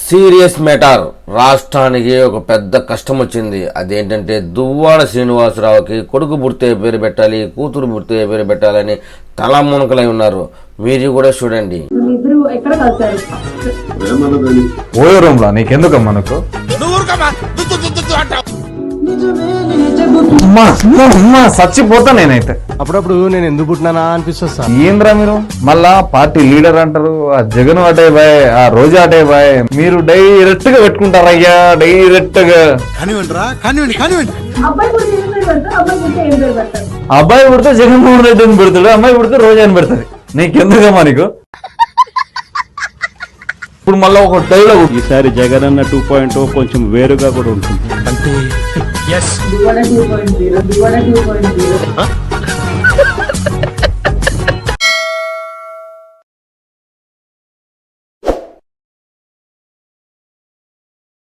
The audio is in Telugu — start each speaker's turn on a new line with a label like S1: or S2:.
S1: Serious matter. రాష్ట్రానికి ఒక పెద్ద కష్టం వచ్చింది. అదేంటంటే దువ్వాడ శ్రీనివాసరావుకి కొడుకు పుడితే పేరు పెట్టాలి, కూతురు పుడితే పేరు పెట్టాలని తలమునకలై ఉన్నారు. మీరు కూడా చూడండి.
S2: ఓయో రూమ్లా నీకెందుకమ్మా నాకు చచ్చిపోతా నేనైతే.
S3: అప్పుడప్పుడు నేను ఎందుకు పుట్టినానా అనిపిస్తుంది సార్.
S2: ఏంద్రా మీరు మళ్ళా పార్టీ లీడర్ అంటారు, ఆ జగన్ అటే బాయ్, ఆ రోజా అటే బాయ్, మీరు డైరెక్ట్ గా పెట్టుకుంటారయ్యా, డైరెక్ట్ గా. అబ్బాయి పుడితే జగన్మోహన్ రెడ్డి అని పెడతాడు, అమ్మాయి పుడితే రోజా అని పెడతాది. నీకెందుకమ్మా నీకు? ఇప్పుడు మళ్ళీ ఒక డైలాగ్,
S4: ఈసారి జగన్ అన్న 2.0 కొంచెం వేరుగా కూడా ఉంటుంది. అంటే